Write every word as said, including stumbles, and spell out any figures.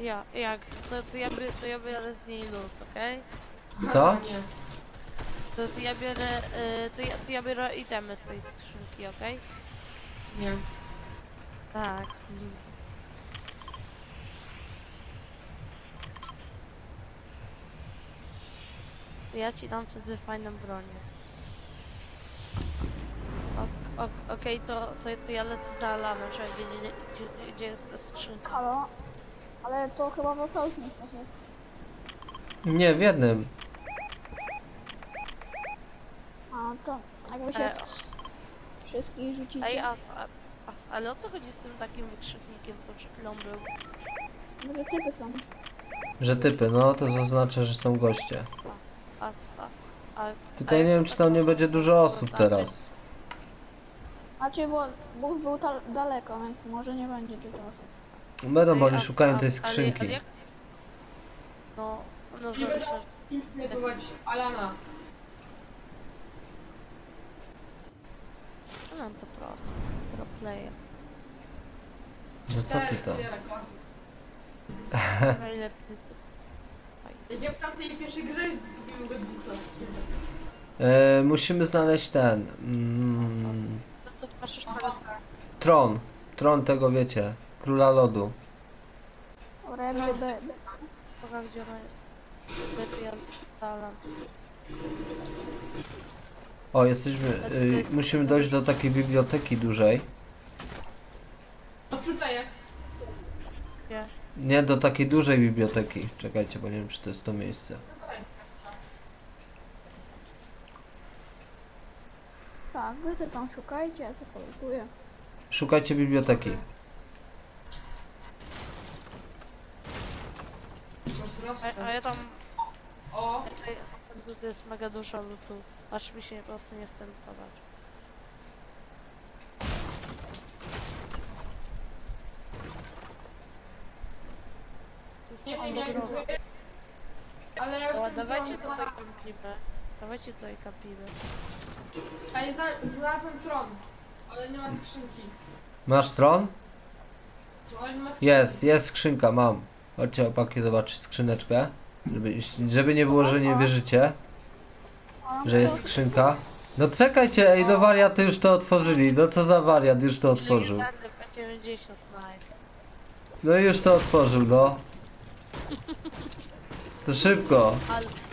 Ja, jak? To, to, ja, by, to ja biorę z niej lód, okej? Co? Nie. To, to ja biorę, y, to, ja, to ja biorę itemy z tej skrzynki, okej? Nie. Tak. To ja ci dam wtedy fajną bronię. O- o- Okej, to, to, to ja lecę za Alanem, żeby wiedzieć, gdzie, gdzie jest ta skrzynka. Halo? Ale to chyba w osobnych miejscach jest. Nie, w jednym. A to jakby się E, w wszystkich Ej, rzucicie. a, a, a, ale o co chodzi z tym takim wykrzyknikiem, co przed chwilą był? Może typy są. Że typy, no to zaznacza, że są goście. A co? A, Tylko a ja nie jak wiem, to czy tak tam nie można będzie dużo osób zaznaczyć? teraz. Znaczy, bo Bóg był ta- daleko, więc może nie będzie dużo. Będą, bo Ej, oni a- szukają a- tej ale- skrzynki. ale jak- No, no Nie będę zobacz, im snajpować Alana. no nam to prosto. Pro player. No co ty to? Najlepiej. Jak w tamtej pierwszej grze kupimy go dwóch lat. E, musimy znaleźć ten... Mm, No to patrzysz teraz. tron. Tron tego, wiecie, króla lodu. Dobra, ja biorę B. Pokaż gdzie ona jest. Lepiej ja dalam. O, jesteśmy... Y, musimy dojść do takiej biblioteki dużej. To tutaj jest. Gdzie? Nie, do takiej dużej biblioteki. Czekajcie, bo nie wiem, czy to jest to miejsce. Tutaj. Tak, wy ty tam szukajcie, ja sobie polutuję. Szukajcie biblioteki. A, a ja tam... O, To, to jest mega dużo lutu. Aż mi się po prostu nie chce lutować. nie To wiem jest jak drogo. wy, ale ja O, już ten dawajcie tron tutaj znalazłem. kampimy. Dawajcie tutaj kampimy. A ja zna- znalazłem tron, ale nie ma skrzynki. Masz tron? Ale nie ma skrzynki. Jest, jest skrzynka, mam. Chodźcie opaki zobaczyć skrzyneczkę. Żeby, żeby nie było, że nie wierzycie, A, że jest skrzynka. No czekajcie, ej, no wariaty już to otworzyli. No co za wariat już to otworzył. Legendarny P dziewięćdziesiąt, nice. No i już to otworzył, no. To szybko. Ale,